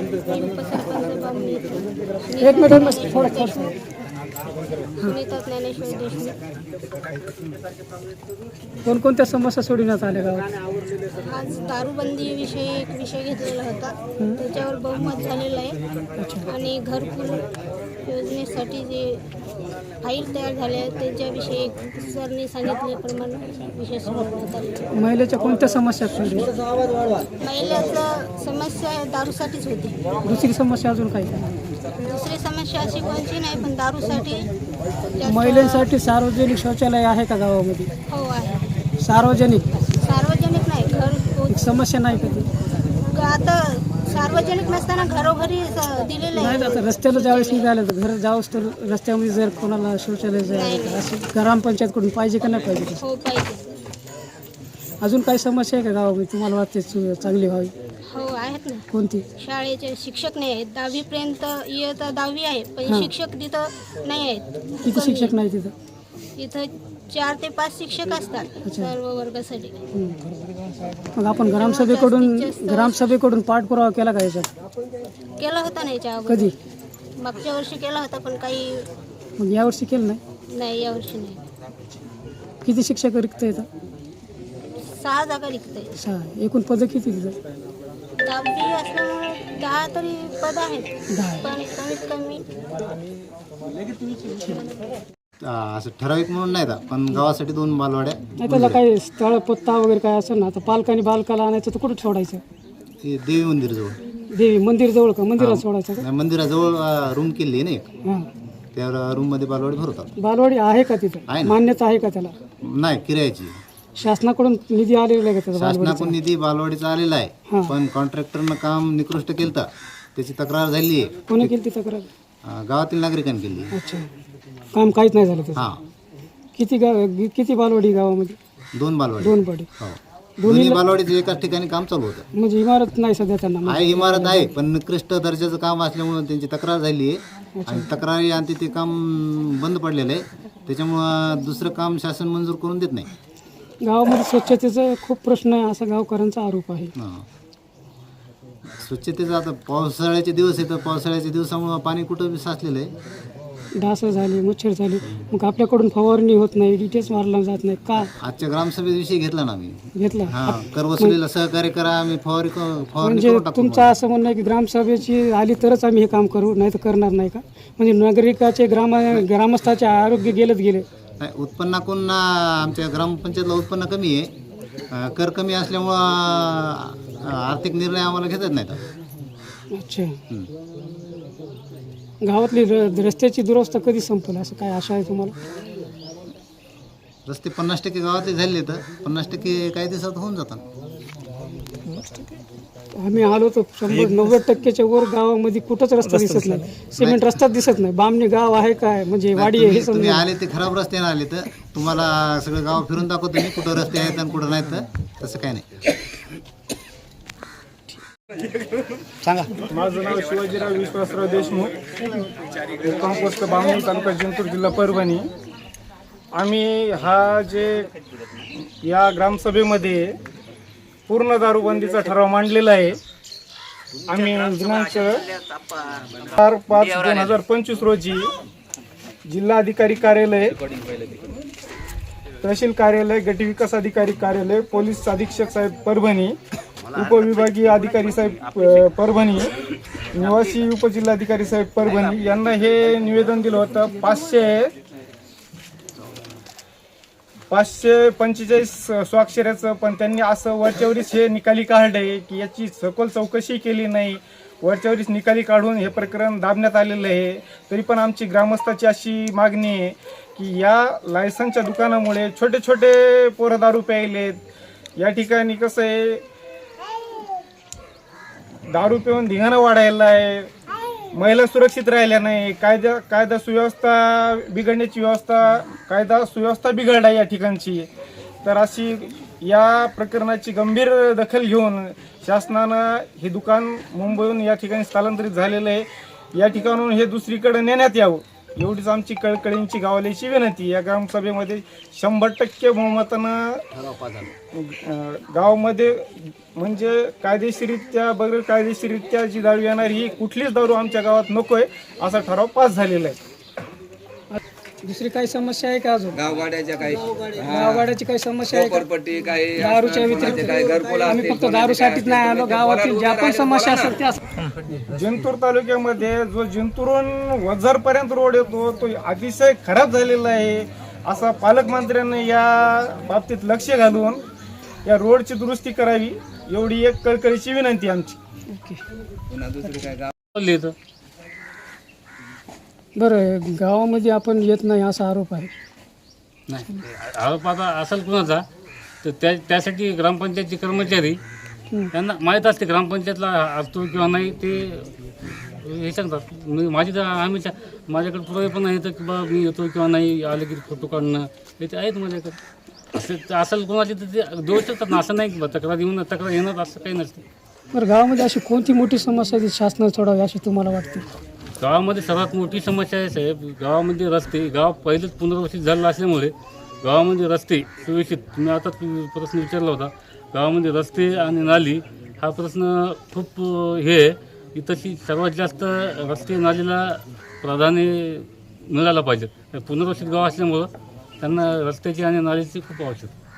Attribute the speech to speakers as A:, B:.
A: एक मिनिट थोडं
B: सुनीता ज्ञानेश्वर देशमुख.
A: कोणकोणत्या समस्या सोडविण्यात आल्या गावात?
B: आज दारूबंदीविषयी एक विषय घेतलेला होता, त्याच्यावर बहुमत झालेलं आहे. आणि घरकुल योजनेसाठी जे फाईल तयार झाल्या आहेत त्याच्याविषयी सरने सांगितल्याप्रमाणे विषय सोडवण्यात आले.
A: महिलेच्या कोणत्या समस्या सोडविल्या?
B: महिलाचं समस्या दारूसाठीच होती.
A: दुसरी समस्या अजून काही?
B: दुसरी समस्या अशी कोणती नाही, पण दारूसाठी जास्त-
A: महिलांसाठी सार्वजनिक शौचालय आहे का गावामध्ये?
B: हो आहे.
A: सार्वजनिक
B: सार्वजनिक नाही, घर
A: समस्या नाही कधी?
B: आता सार्वजनिक नसताना घरोघरी दिलेलं
A: नाही.
B: आहे.
A: आता रस्त्याला ज्यावेळेस निघालं तर घर जावंच तर रस्त्यामध्ये जर कोणाला शौचालय जायचं असं ग्रामपंचायतकडून पाहिजे का नाही पाहिजे?
B: हो पाहिजे.
A: अजून काही समस्या आहे का गावामध्ये तुम्हाला वाटते चांगली व्हावी?
B: हो आहेत ना.
A: कोणती?
B: शाळेचे शिक्षक नाही आहेत. 10वीपर्यंत इयत्ता 10वी आहे, पण शिक्षक तिथं नाही आहेत.
A: किती शिक्षक नाही तिथं?
B: इथं 4 ते 5 शिक्षक असतात सर्व वर्गासाठी.
A: मग आपण ग्रामसभेकडून पाठपुरावा केला का याच्यात?
B: केला होता ना याच्या अगोदर.
A: कधी?
B: मागच्या वर्षी केला होता, पण काही
A: मग यावर्षी केलं नाही?
B: नाही, यावर्षी नाही.
A: किती शिक्षक रिक्त येतात?
B: 6 जागा रिक्त आहे.
A: 6. एकूण पदं किती तिथं?
B: 10वी असल्यामुळे 10 तरी पद आहेत,
A: 10.
B: पण कमीत कमी
C: असं ठराविक म्हणून नाही, पण गावासाठी 2 बालवाड्या.
A: नाही त्याला काही स्थळ पत्ता वगैरे काय असेल ना? आता पालकांनी बालकाला आणायचं तर कुठं सोडायचं?
C: ते देवी मंदिरजवळ.
A: देवी मंदिर जवळ का? मंदिरात सोडायचं का?
C: नाही, मंदिराजवळ रूम केली आहे ना एक,
A: हां.
C: त्या रूममध्ये बालवाडी भरवतात.
A: बालवाडी आहे का तिथं?
C: आहे ना.
A: मान्यता आहे का त्याला?
C: नाही, किरायाची.
A: शासनाकडून निधी आलेला आहे का त्याचा?
C: शासनाकडून निधी बालवाडीचा आलेला
A: हां.
C: आहे, पण कॉन्ट्रॅक्टरनं काम निकृष्ट केलं तर त्याची तक्रार झाली आहे.
A: कोणी केली ती तक्रार?
C: गावातील नागरिकांनी केली.
A: अच्छा. काम काहीच नाही झालं त्याचं?
C: हां,
A: किती बालवाडी गावामध्ये?
C: 2 बालवाडी.
A: 2 बाडी.
C: हो, दोन्ही बालवाडीचं एकाच ठिकाणी काम चालू होतं.
A: म्हणजे इमारत नाही सध्या त्यांना?
C: आहे, इमारत आहे, पण निकृष्ट दर्जाचं काम असल्यामुळं त्यांची तक्रार झाली आहे. आणि तक्रारी आणि ते काम बंद पडलेलं आहे, त्याच्यामुळं दुसरं काम शासन मंजूर करून देत नाही.
A: गावामध्ये स्वच्छतेचा खूप प्रश्न आहे असा गावकऱ्यांचा आरोप आहे.
C: हां. स्वच्छतेचं आता पावसाळ्याचे दिवस आहे, तर पावसाळ्याच्या दिवसामुळं पाणी कुठं बी साचलेलं आहे.
A: डास झाली, मच्छर झाली, मग आपल्याकडून फवारणी होत नाही, डिटेल्स मारला जात नाही का?
C: आजच्या ग्रामसभेविषयी घेतला ना आम्ही.
A: घेतला?
C: हां, कर वसुलीला सहकार्य करा, आम्ही फवारणी
A: म्हणजे
C: करून टाकू.
A: तुमचं असं म्हणणं आहे की ग्रामसभेची आली तरच आम्ही हे काम करू, नाही तर करणार नाही का? म्हणजे नागरिकाचे ग्रामस्थाचे आरोग्य गेले.
C: नाही, उत्पन्नाकडून आमच्या ग्रामपंचायतला उत्पन्न कमी आहे. कर कमी असल्यामुळं आर्थिक निर्णय आम्हाला घेता येत नाहीत.
A: अच्छा. गावातली रस्त्याची दुरवस्था कधी संपेल असं काय आशा आहे तुम्हाला?
C: रस्ते 50% गावातले झाले, तर 50% काही दिवसात होऊन जातात.
A: आम्ही आलो तर 90%च्या वर गावामध्ये कुठंच रस्ता दिसत नाही. सिमेंट रस्ता दिसत नाही. बामणी गाव आहे काय, म्हणजे वाडी आहे?
C: तुम्ही आले ते खराब रस्त्याने आले, तर तुम्हाला सगळं गाव फिरून दाखवतो मी कुठं रस्ते आहेत आणि कुठं नाहीत. तर तसं काय नाही.
D: सांगा. माझं नाव शिवाजीराव विश्वासराव देशमुख, कंपोस्ट बामणी, तालुका जिंतूर, जिल्हा परभणी. आम्ही या ग्रामसभेमध्ये पूर्ण दारूबंदीचा ठराव मांडलेला आहे. आम्ही दिनांक 4/5/2025 रोजी जिल्हाधिकारी कार्यालय, तहसील कार्यालय, गटविकास अधिकारी कार्यालय, पोलीस अधीक्षक साहेब परभणी, उपविभागीय अधिकारी साहेब परभणी, निवासी उपजिल्हाधिकारी साहेब परभणी यांना हे निवेदन दिलं होतं. 545 स्वाक्षऱ्याचं, पण त्यांनी असं वरच्यावरीच हे निकाली काढलंय की याची सखोल चौकशी केली नाही. वरच्यावरीच निकाली काढून हे प्रकरण दाबण्यात आलेलं आहे. तरी पण आमची ग्रामस्थाची अशी मागणी आहे की या लायसनच्या दुकानामुळे छोटे छोटे पोरं दारू प्यायलेत. या ठिकाणी कसं आहे, दारू पिऊन धिंगाणा वाढायला आहे, महिला सुरक्षित राहिल्या नाही, कायदा सुव्यवस्था बिघडण्याची कायदा सुव्यवस्था बिघडला या ठिकाणची. तर अशी या प्रकरणाची गंभीर दखल घेऊन शासनानं हे दुकान मुंबईहून या ठिकाणी स्थलांतरित झालेलं आहे. या ठिकाणून हे दुसरीकडे नेण्यात यावं एवढीच आमची कळकळींची गावाल्याची विनंती. या ग्रामसभेमध्ये 100% बहुमतानं गावामध्ये म्हणजे कायदेशीररित्या बगैर कायदेशीररित्या जी दारू येणार ही कुठलीच दारू आमच्या गावात नकोय असा ठराव पास झालेला आहे.
A: दुसरी काही समस्या आहे का अजून?
E: गावगाड्याच्या काही
A: गावगाड्याची काही समस्या आहे का?
E: झोपडपट्टी काही
A: दारूच्या
E: काही
A: व्यतिरिक्त
E: घरकुल
A: आम्ही फक्त दारूसाठीच नाही आलो, गावातील ज्या पण समस्या असतात त्या
D: जिंतूर तालुक्यामध्ये जो जिंतूरून वझरपर्यंत रोड येतो तो अतिशय खराब झालेला आहे. असा पालकमंत्र्यांनी या बाबतीत लक्ष घालून या रोडची दुरुस्ती करावी एवढी एक कळकळीची विनंती आमची.
E: पुन्हा दुसरी काय गाव
A: बरं, गावामध्ये आपण येत नाही असा आरोप आहे.
F: नाही आरोप आता असेल कुणाचा तर त्यासाठी ग्रामपंचायतचे कर्मचारी त्यांना माहीत असते ग्रामपंचायतला असतो किंवा नाही ते हे सांगतात. माझी तर माझ्याकडे पुरावे पण आहेत की बा मी येतो किंवा नाही आलं की फोटो काढणं हे ते आहेत माझ्याकडे. असेल कोणाची तर ते देऊ शकतात ना, असं नाही की बा तक्रार येणार असं काही नसतं.
A: बरं, गावामध्ये अशी कोणती मोठी समस्या आहे शासनाने सोडावी अशी तुम्हाला वाटते?
F: गावामध्ये सर्वात मोठी समस्या आहे साहेब, गावामध्ये रस्ते. गाव पहिलेच पुनर्वसित झालेलं असल्यामुळे गावामध्ये रस्ते सुव्यवस्थित, तुम्ही आता प्रश्न विचारला होता, गावामध्ये रस्ते आणि नाली हा प्रश्न खूप हे आहे की तशी सर्वात जास्त रस्ते नालीला प्राधान्य मिळालं पाहिजे. पुनर्वसित गाव असल्यामुळं त्यांना रस्त्याची आणि नालीची खूप आवश्यकता.